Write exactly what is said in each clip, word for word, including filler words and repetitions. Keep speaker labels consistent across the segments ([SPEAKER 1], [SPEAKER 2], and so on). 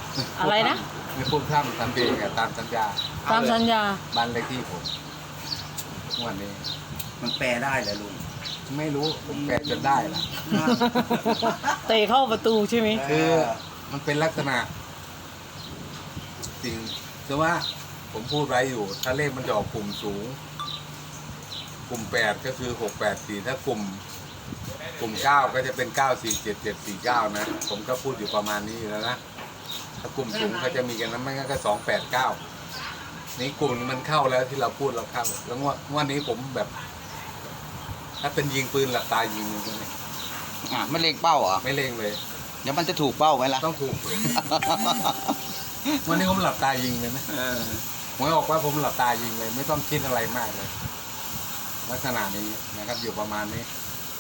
[SPEAKER 1] อะไรนะ
[SPEAKER 2] ไม่พูดท่ำทำเพลงอะตามสัญญา
[SPEAKER 1] ตามสัญญา
[SPEAKER 2] บ้านเลขที่ผมวันนี้
[SPEAKER 3] มันแปลได้เหรอลุง
[SPEAKER 2] ไม่รู้ผมแปลจนได้ละ
[SPEAKER 1] เตะเข้าประตูใช่ไหม
[SPEAKER 2] คือมันเป็นลักษณะสิ่งคือว่าผมพูดไว้อยู่ถ้าเลขมันจะออกกลุ่มสูงกลุ่มแปดก็คือหกแปดสี่ถ้ากลุ่มกลุ่มเก้าก็จะเป็นเก้าสี่เจ็ดเจ็ดสี่เก้านะผมก็พูดอยู่ประมาณนี้อยู่แล้วนะถ้ากลุ่มสูงเขาจะมีกันนั้นไม่งั้นก็สองแปดเก้านี่กลุ่มมันเข้าแล้วที่เราพูดเราเข้าแล้วว่าวันนี้ผมแบบ ถ้าเป็นยิงปืนหลับตายิงเลย
[SPEAKER 3] อ่าไม่เล็งเป้าเหรอ
[SPEAKER 2] ไม่เล็งเลย
[SPEAKER 3] เดี๋ยวมันจะถูกเป้าไหมล่ะ
[SPEAKER 2] ต้องถูกวันนี้ผมหลับตายิงเลยนะผมบอกว่าผมหลับตายิงเลยไม่ต้องคิดอะไรมากเลยลักษณะนี้นะครับอยู่ประมาณนี้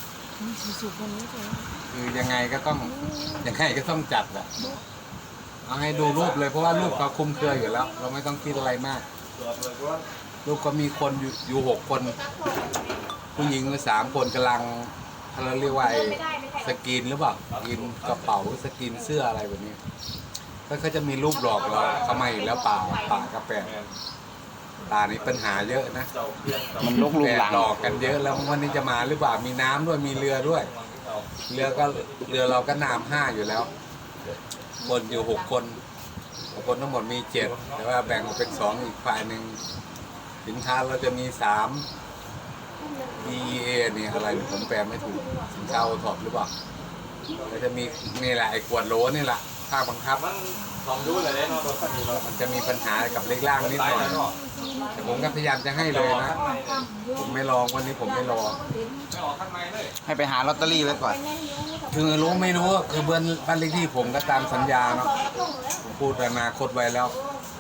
[SPEAKER 2] คือยังไงก็ต้องยังไงก็ต้องจัดอะเอาให้ดูรูปเลยเพราะว่ารูปเขาคุ้มเครืออยู่แล้ว เราไม่ต้องคิดอะไรมากรูปก็มีคนอยู่อยู่หกคนผู้หญิงสามคนกำลังเราเรียกว่าสกรีนหรือเปล่าสกรีนกระเป๋าสกรีนเสื้ออะไรแบบนี้ก็เขาจะมีรูปหลอกเราทำไมแล้วป่าป่ากระแปะป่านี้ปัญหาเยอะนะ
[SPEAKER 3] มันลกลุงหลัง
[SPEAKER 2] หลอกกันเยอะแล้ววันนี้จะมาหรือเปล่ามีน้ำด้วยมีเรือด้วยเรือก็เรือเราก็น้ำห้าอยู่แล้วคนอยู่หกคนคนทั้งหมดมีเจ็ดแต่ว่าแบ่งออกเป็นสองอีกฝ่ายหนึ่งสินค้าเราจะมีสาม ดี เอ เนี่ยอะไรผมแปลไม่ถูกสินค้าโอท็อปหรือเปล่าแล้วจะมีนี่แหละไอ้ขวดโหลนี่แหละภาคบังคับมันจะมีปัญหากับเลขล่างนิดหน่อยแต่ผมก็พยายามจะให้เลยนะผมไม่ลองวันนี้ผมไม่รอ
[SPEAKER 3] ให้ไปหาลอตเตอรี่ไว้ก่อน
[SPEAKER 2] คือรู้ไม่รู้คือเบื้องบ้านเลขที่ผมก็ตามสัญญาเนาะผมพูดอนาคตไว้แล้ว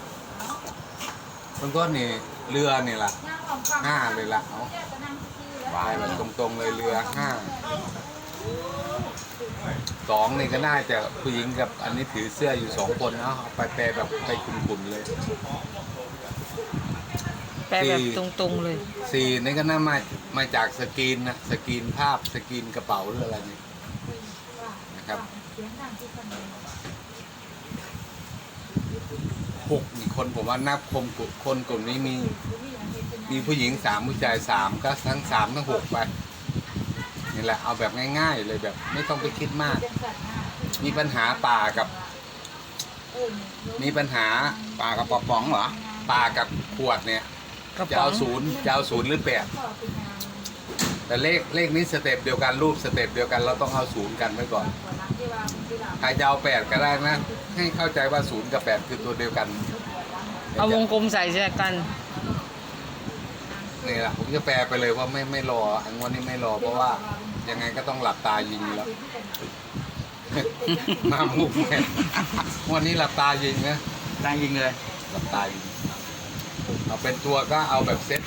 [SPEAKER 2] มันก็นี่เรือนี่แหละห้าเลยละเอาวายแบบตรงๆเลยเรือห้าสองนี่ก็น่าจะผู้หญิงกับอันนี้ถือเสื้ออยู่สองคนเนาะเอาไปแปลแบบไปขุ่นๆเลย
[SPEAKER 1] แปลแบบตรงๆเลย
[SPEAKER 2] สี่นี่ก็น่ามามาจากสกรีนนะสกรีนภาพสกรีนกระเป๋าหรืออะไรนี่นะครับหกนี่คนผมว่านับคมคนกลุ่มนี้มีมีผู้หญิงสามผู้ชายสามก็ทั้งสามทั้งหกไปนี่แหละเอาแบบง่ายๆเลยแบบไม่ต้องไปคิดมากมีปัญหาป่ากับมีปัญหา
[SPEAKER 3] ป่ากับปอป๋องเหรอ
[SPEAKER 2] ป่ากับขวดเนี่ยจะเอาศูนย์จะเอาศูนย์หรือแปดแต่เลขเลขนี้สเต็ปเดียวกันรูปสเต็ปเดียวกันเราต้องเอาศูนย์กันไว้ก่อนใครจะเอาแปดก็ได้นะให้เข้าใจว่าศูนย์กับแปดคือตัวเดียวกัน
[SPEAKER 1] เอาวงกลมใส่แจกัน
[SPEAKER 2] นี่แหละผมจะแปลไปเลยว่าไม่ไม่รออันวันนี้ไม่รอเพราะว่ายังไงก็ต้องหลับตายิงแล้วมามุกแม่วันนี้หลับตายิงนะ
[SPEAKER 3] ตายิงเลย
[SPEAKER 2] หลับตายิงเอาเป็นตัวก็เอาแบบเซ็ต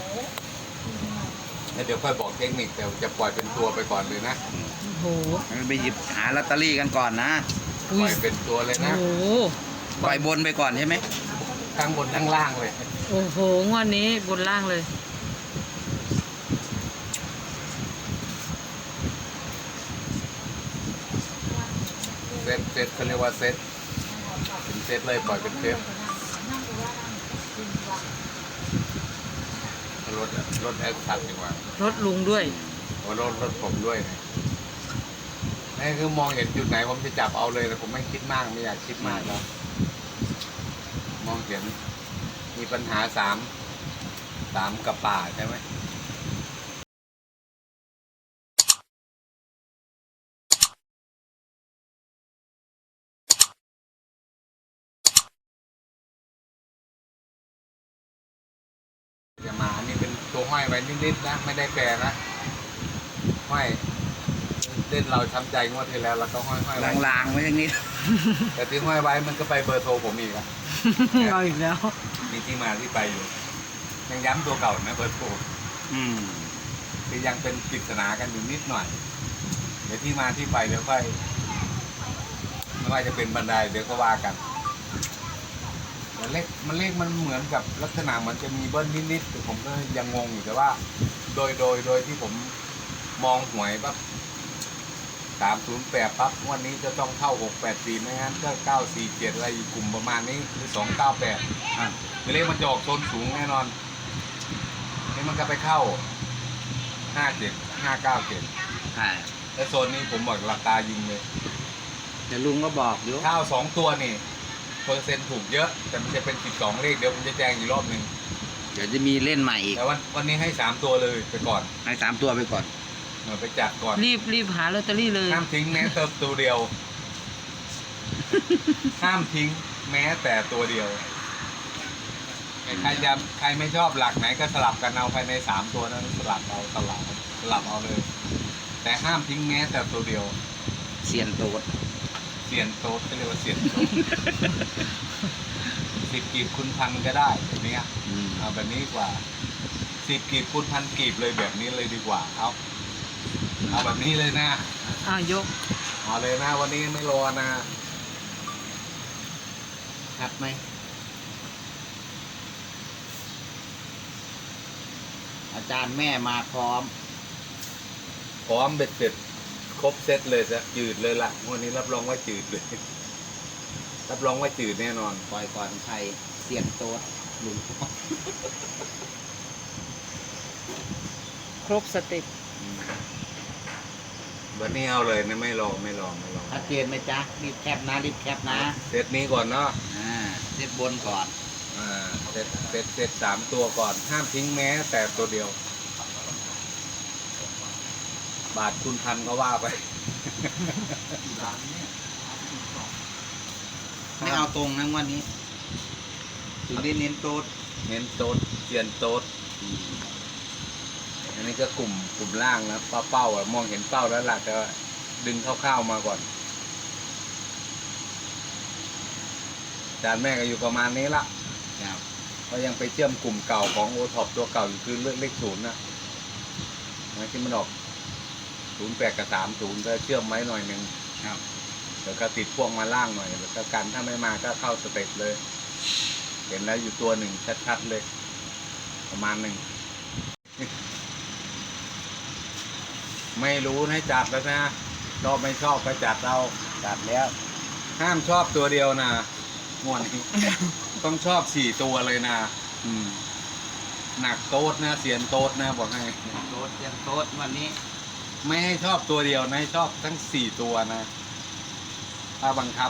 [SPEAKER 2] แล้วเดี๋ยวค่อยบอกเทคนิคแต่จะปล่อยเป็นตัวไปก่อนเลยนะ
[SPEAKER 1] โอ้โห
[SPEAKER 3] ไปหยิบหาลอตเตอรี่กันก่อนนะ
[SPEAKER 2] ปล่อยเป็นตัวเลยนะ
[SPEAKER 1] โอ้โห
[SPEAKER 3] ปล่อยบนไปก่อนใช่ไหม
[SPEAKER 2] ทั้งบนทั้งล่างเลย
[SPEAKER 1] โอ้โหงวดนี้บนล่างเลย
[SPEAKER 2] เซตเซตเขาเรียกว่าเซตเป็นเซตเลยปล่อยเป็นเซตรถรถแอสตัดดีกว่าร
[SPEAKER 1] ถลุงด้วย
[SPEAKER 2] โอ้รถรถผมด้วยนี่คือมองเห็นจุดไหนผมจะจับเอาเลยแต่ผมไม่คิดมากไม่อยากคิดมากแล้วมองเห็นมีปัญหาสามสามกับป่าใช่ไหมจะมาอันนี้เป็นตัวห้อยไว้นิดๆนะไม่ได้แปรนะห้อยเล่นเราช้ำใจงวดที่แล้วเราก็ห้อยห้อย
[SPEAKER 3] ลางๆไว้อย่างนี้
[SPEAKER 2] แต่ที่ห้อยไว้มันก็ไปเบอร์โทรผมอีกอะ
[SPEAKER 1] เอาอีกแล้ว
[SPEAKER 2] มีที่มาที่ไปอยู่ยังย้ำตัวเก่านะเบอร์โทร
[SPEAKER 3] อืม
[SPEAKER 2] คือยังเป็นปริศนากันอยู่นิดหน่อยเดี๋ยวที่มาที่ไปเดี๋ยวค่อยไม่ว่าจะเป็นบันไดเดี๋ยวก็ว่ากันแต่เลขมันเลขมันเหมือนกับลักษณะมันจะมีเบิ้ลนิดๆแต่ผมก็ยังงงอยู่แต่ว่า โดยโดยโดยที่ผมมองหวยแบบสามศูนย์แปดปั๊บงวันนี้จะต้องเข้าหกแปดสี่ไม่งั้นก็เก้าสี่เจ็ดอะไรอยู่กลุ่มประมาณนี้หรือสองเก้าแปดอ่ะคือเลขมันจะออกโซนสูงแน่นอนนี่มันก็ไปเข้าห้าเจ็ดห้าเก้าเจ็ด
[SPEAKER 3] ใช่
[SPEAKER 2] แล้วโซนนี้ผมบอกหลักตายิงเลย
[SPEAKER 3] แต่ลุงก็บอกอยู่
[SPEAKER 2] ข้าวสองตัวนี่เปอร์เซ็นต์ถูกเยอะแต่มันจะเป็นสิบสองเลขเดี๋ยวผมจะแจ้งอีกรอบหนึ่ง
[SPEAKER 3] เดี๋ยวจะมีเล่นใหม่อีก
[SPEAKER 2] แต่วันวันนี้ให้สามตัวเลยไปก่อน
[SPEAKER 3] ให้สามตัวไปก่อน
[SPEAKER 2] เออไปจัดก่อน
[SPEAKER 1] รีบรีบหาลอตเตอรี่เลย
[SPEAKER 2] ห้ามทิ้งแม้แต่ตัวเดียว ห้ามทิ้งแม้แต่ตัวเดียวใครจะใครไม่ชอบหลักไหนก็สลับกันเอาภายในสามตัวนั้นสลับเอาสลับสลับเอาเลย แต่ห้ามทิ้งแม้แต่ตัวเดียว
[SPEAKER 3] เซียนโต๊ด
[SPEAKER 2] เสียนโต๊ดก็เรียกว่าเสียนโต๊ด สิบกีบคุณพันก็ได้แบบนี้
[SPEAKER 3] อืม
[SPEAKER 2] เอาแบบนี้ดีกว่าสิบกีบคุณพันกีบเลยแบบนี้เลยดีกว่าเอาเอาแบบนี้เลยนะ
[SPEAKER 1] อ้าวยก
[SPEAKER 2] เอาเลยนะวันนี้ไม่รอนะ
[SPEAKER 3] ชัดไหมอาจารย์แม่มาพร้อม
[SPEAKER 2] พร้อมเบ็ดเสร็จครบเซตเลยจะจืดเลยล่ะวันนี้รับรองว่าจืดเลย รับรองว่าจืดแน่นอน
[SPEAKER 3] ปล่อยก่อนใครเซียนโต๊ดลุง
[SPEAKER 1] ครบสเต็ป
[SPEAKER 2] วันนี้เอาเลยนะไม่รอไม่รอไม่รอ
[SPEAKER 3] ชัดเจนไหมจ๊ะรีบแคปนะรีบแคปนะ
[SPEAKER 2] เซตนี้ก่อนเนาะ
[SPEAKER 3] อ่าเซตบนก่อน
[SPEAKER 2] อ่าเซตเซตเซตสามตัวก่อน ห้ามทิ้งแม้แต่ตัวเดียว บาทคุณพันก็ว่าไป
[SPEAKER 3] ไม่เอาตรงนะวันนี้ ถึงได้เน้นโต๊ด
[SPEAKER 2] เน้นโต๊ดเจียนโต๊ดอันนี้ก็กลุ่มกลุ่มล่างนะเป้าเป้าอะมองเห็นเป้าแล้วล่ะแต่ว่าดึงคร่าวๆมาก่อนจานแม่ก็อยู่ประมาณนี้ละ
[SPEAKER 3] ครับ
[SPEAKER 2] ก็ยังไปเชื่อมกลุ่มเก่าของโอท็อปตัวเก่าอยู่คือเลือกเลขศูนย์นะนะที่มันออกศูนย์แปดกับสามศูนย์ก็เชื่อมไว้หน่อยหนึ่ง
[SPEAKER 3] ครับ
[SPEAKER 2] แล้วก็ติดพวกมาล่างหน่อยแล้วก็กันถ้าไม่มาก็เข้าสเต็ปเลย เห็นแล้วอยู่ตัวหนึ่งชัดๆเลย ประมาณหนึ่ง ไม่รู้ให้จัดแล้วนะชอบไม่ชอบก็จัดเอา
[SPEAKER 3] จัดแล้ว
[SPEAKER 2] ห้ามชอบตัวเดียวนะงวดนี้ ต้องชอบสี่ตัวเลยนะ
[SPEAKER 3] อืม
[SPEAKER 2] หนักโต๊ดนะเสียนโต๊ดนะบอกให้
[SPEAKER 3] โต๊ดเซียนโต๊ดวันนี้
[SPEAKER 2] ไม่ให้ชอบตัวเดียวนะให้ชอบทั้งสี่ตัวนะถ้าบังคับ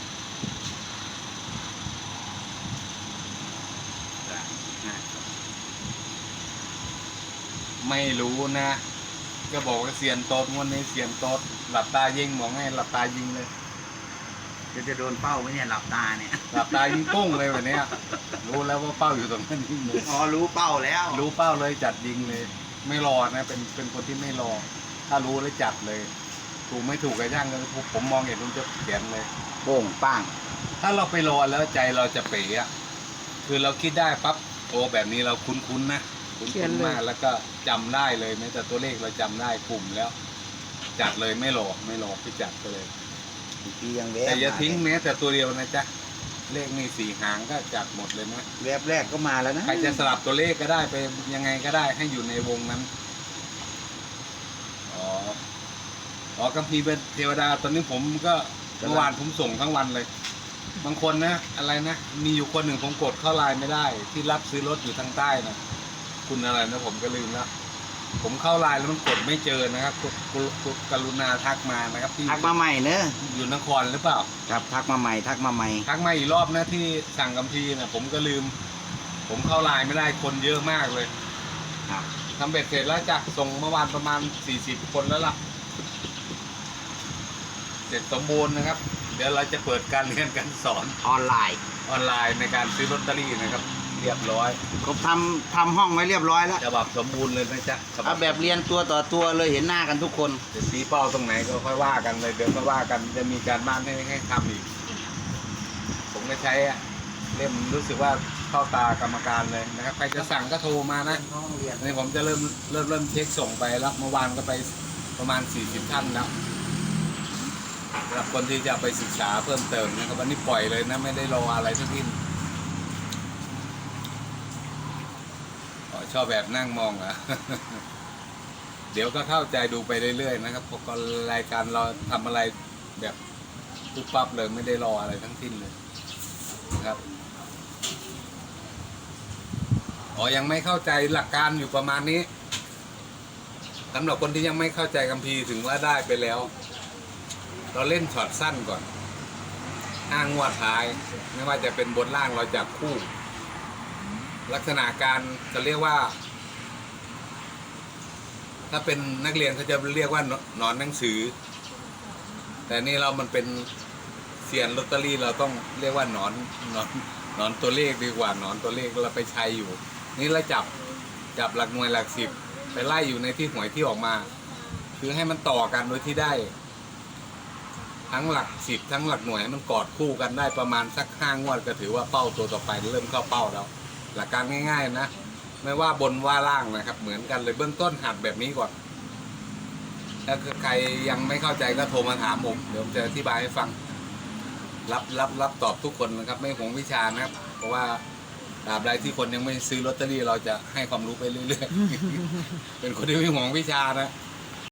[SPEAKER 2] ไม่รู้นะก็บอกว่าเสียนโต๊ดงวดนี้เสียนโต๊ดหลับตายิงบอกให้หลับตายิงเลย
[SPEAKER 3] จะจะโดนเป้าไหมเนี่ยหลับตาเนี่ย
[SPEAKER 2] หลับตายิงปุ้งเลยวันนี้รู้แล้วว่าเป้าอยู่ตรงนั้นยิงเลย
[SPEAKER 3] อ๋อรู้เป้าแล้ว
[SPEAKER 2] รู้เป้าเลยจัดยิงเลย ไม่รอนะเป็นเป็นคนที่ไม่รอ ถ้ารู้แล้วจัดเลย ถูกไม่ถูกก็ย่างกันผมมองเห็นผมจะเขียนเลย
[SPEAKER 3] โป่งป้าง
[SPEAKER 2] ถ้าเราไปรอแล้วใจเราจะเป๋อะคือเราคิดได้ปั๊บโอ้แบบนี้เราคุ้นๆนะคุ้นๆมากแล้วก็จำได้เลยแม้แต่ตัวเลขเราจำได้กลุ่มแล้ว จัดเลยไม่รอไม่รอไปจัดไปเลย
[SPEAKER 3] อีกทียังแวบ
[SPEAKER 2] แต่อย่าทิ้งแม้แต่ตัวเดียวนะจ๊ะเลขนี่สี่หางก็จัดหมดเลยนะ
[SPEAKER 3] แวบแรกก็มาแล้วนะ
[SPEAKER 2] ใครจะสลับตัวเลขก็ได้ไปยังไงก็ได้ให้อยู่ในวงนั้นอ๋ออ๋อกัมพีร์เป็นเทวดาตอนนี้ผมก็เมื่อวานผมส่งทั้งวันเลย บางคนนะอะไรนะมีอยู่คนหนึ่งผมกดเข้าไลน์ไม่ได้ ที่รับซื้อรถอยู่ทางใต้นะคุณอะไรนะผมก็ลืมแล้วผมเข้าไลน์แล้วมันกดไม่เจอนะครับกดกดกดกรุณาทักมานะครับที่
[SPEAKER 3] ทักมาใหม่เนอะ
[SPEAKER 2] อยู่นครหรือเปล่า
[SPEAKER 3] ครับทักมาใหม่ทักมาใหม่
[SPEAKER 2] ทักมาอีกรอบนะที่สั่งกัมพีร์นะผมก็ลืม ผมเข้าไลน์ไม่ได้คนเยอะมากเลย
[SPEAKER 3] ครับ
[SPEAKER 2] ทำเบ็ดเสร็จแล้วจ้ะส่งเมื่อวานประมาณสี่สิบคนแล้วล่ะ เสร็จสมบูรณ์นะครับ เดี๋ยวเราจะเปิดการเรียนการสอน
[SPEAKER 3] ออนไลน์
[SPEAKER 2] ออนไลน์ในการซื้อลอตเตอรี่นะครับ เรียบร้อย
[SPEAKER 3] ผมทำทำห้องไว้เรียบร้อยแล้ว
[SPEAKER 2] ฉบับสมบูรณ์เลยนะจ๊ะฉ
[SPEAKER 3] เอาแบบเรียนตัวต่อตัวเลยเห็นหน้ากันทุกคน
[SPEAKER 2] จะชี้เป้าตรงไหนก็ค่อยว่ากันเลยเดี๋ยวค่อยว่ากันจะมีการบ้านให้ให้ทำอีก ผมก็ใช้อะเล่มรู้สึกว่าเข้าตากรรมการเลยนะครับใครจะสั่งก็โทรมานะ
[SPEAKER 3] ห้องเรียน
[SPEAKER 2] นี่ผมจะเริ่มเริ่มเริ่มเช็คส่งไปแล้วเมื่อวานก็ไปประมาณสี่สิบท่านแล้วสำหรับคนที่จะเอาไปศึกษาเพิ่มเติมนะครับวันนี้ปล่อยเลยนะไม่ได้รออะไรทั้งสิ้นอ๋อชอบแบบนั่งมองเหรอเดี๋ยวก็เข้าใจดูไปเรื่อยๆนะครับเพราะก็รายการเราทำอะไรแบบปุ๊บปั๊บเลยไม่ได้รออะไรทั้งสิ้นเลยนะครับอ๋อยังไม่เข้าใจหลักการอยู่ประมาณนี้สำหรับคนที่ยังไม่เข้าใจคัมภีร์ถึงว่าได้ไปแล้ว เราเล่นช็อตสั้นก่อนห้างวดท้ายไม่ว่าจะเป็นบนล่างเราจับคู่ ลักษณะการจะเรียกว่า ถ้าเป็นนักเรียนเขาจะเรียกว่าหนอนหนังสือ แต่นี่เรามันเป็นเซียนลอตเตอรี่เราต้องเรียกว่าหนอนหนอนหนอนตัวเลขดีกว่าหนอนตัวเลขเราไปใช้อยู่ นี่เราจับจับหลักหน่วยหลักสิบไปไล่อยู่ในที่หวยที่ออกมา คือให้มันต่อกันโดยที่ได้ ทั้งหลักสิบทั้งหลักหน่วยให้มันกอดคู่กันได้ประมาณสักห้างวดก็ถือว่าเป้าตัวต่อไปเริ่มเข้าเป้าแล้วหลักการง่ายๆนะไม่ว่าบนว่าล่างนะครับเหมือนกันเลยเบื้องต้นหัดแบบนี้ก่อนถ้าใครยังไม่เข้าใจก็โทรมาถามผมเดี๋ยวผมจะอธิบายให้ฟังรับรับรับตอบทุกคนนะครับไม่หวงวิชานะครับเพราะว่าตราบใดที่คนยังไม่ซื้อลอตเตอรี่เราจะให้ความรู้ไปเรื่อยๆ เป็นคนที่ไม่หวงวิชานะ